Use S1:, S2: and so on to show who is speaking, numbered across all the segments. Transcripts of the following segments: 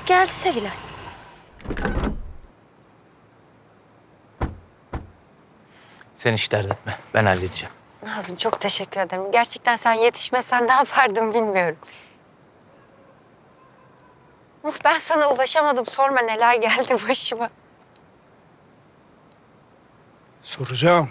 S1: geldi Sevilay.
S2: Sen hiç dert etme. Ben halledeceğim.
S1: Nazım çok teşekkür ederim. Gerçekten sen yetişmesen ne yapardım bilmiyorum. Ben sana ulaşamadım. Sorma neler geldi başıma.
S3: Soracağım.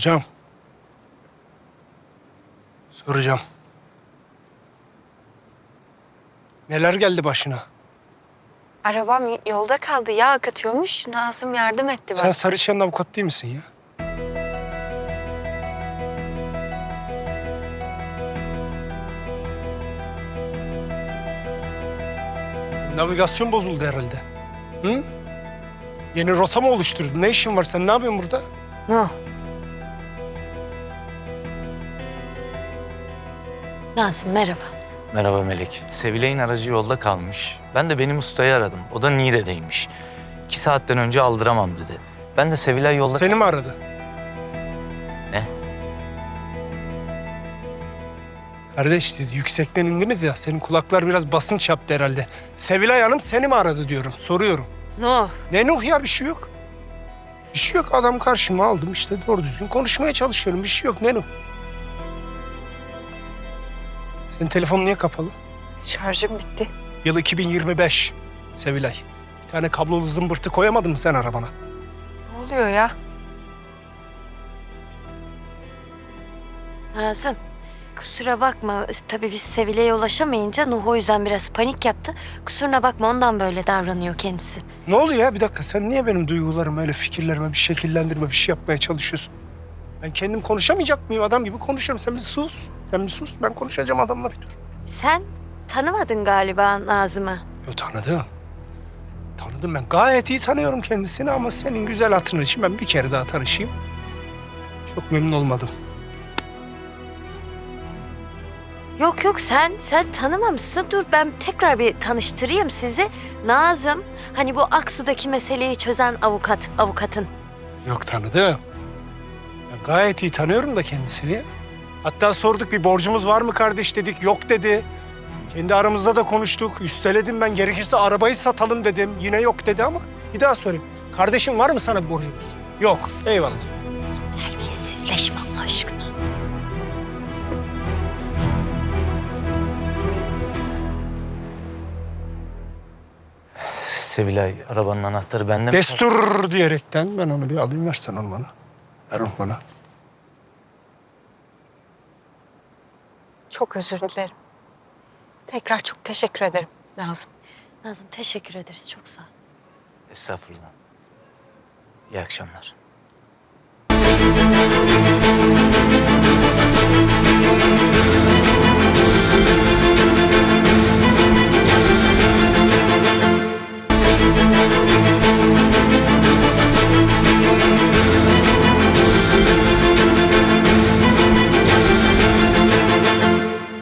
S3: Neler geldi başına?
S1: Arabam yolda kaldı. Yağ akıtıyormuş. Nazım yardım etti
S3: Sen
S1: bana.
S3: Sarıçıyan'ın avukat değil misin ya? Senin navigasyon bozuldu herhalde. Hı? Yeni rota mı oluşturdun? Ne işin var? Sen ne yapıyorsun burada?
S1: Nuh. Nazım merhaba.
S2: Merhaba Melek. Sevilay'ın aracı yolda kalmış. Ben de benim ustayı aradım. O da Niğde'deymiş. 2 saatten önce aldıramam dedi. Ben de Sevilay yolda...
S3: Seni mi aradı?
S2: Ne?
S3: Kardeş siz yüksekten indiniz ya. Senin kulaklar biraz basınç yaptı herhalde. Sevilay Hanım seni mi aradı diyorum. Soruyorum.
S1: Nuh.
S3: Ne Nuh ya bir şey yok. Bir şey yok adam karşıma aldım işte doğru düzgün konuşmaya çalışıyorum. Bir şey yok ne Nuh. Senin telefonun niye kapalı?
S1: Şarjım bitti.
S3: Yıl 2025 Sevilay. Bir tane kablolu zımbırtı koyamadın mı sen arabana?
S1: Ne oluyor ya? Nazım, kusura bakma. Tabii biz Sevilay'a ulaşamayınca Nuh o yüzden biraz panik yaptı. Kusuruna bakma ondan böyle davranıyor kendisi.
S3: Ne oluyor ya bir dakika sen niye benim duygularımı öyle fikirlerime bir şekillendirme bir şey yapmaya çalışıyorsun? Ben kendim konuşamayacak mıyım? Adam gibi konuşurum. Sen bir sus. Ben konuşacağım adamla bir dur.
S1: Sen tanımadın galiba Nazım'ı.
S3: Yo tanıdım. Tanıdım ben. Gayet iyi tanıyorum kendisini ama senin güzel hatırın için ben bir kere daha tanışayım. Çok memnun olmadım.
S1: Yok sen tanımamışsın. Dur ben tekrar bir tanıştırayım sizi. Nazım hani bu Aksu'daki meseleyi çözen avukatın.
S3: Yok tanıdım. Ben gayet iyi tanıyorum da kendisini. Hatta sorduk bir borcumuz var mı kardeş dedik. Yok dedi. Kendi aramızda da konuştuk. Üsteledim ben gerekirse arabayı satalım dedim. Yine yok dedi ama bir daha sorayım. Kardeşim var mı sana bir borcumuz? Yok. Eyvallah.
S1: Terbiyesizleşme Allah aşkına.
S2: Sevilay arabanın anahtarı bende mi?
S3: Destur diyerekten ben onu bir alayım versen onu bana. Ver onu bana.
S1: Çok özür dilerim. Tekrar çok teşekkür ederim Nazım. Nazım teşekkür ederiz çok sağ ol.
S2: Estağfurullah. İyi akşamlar.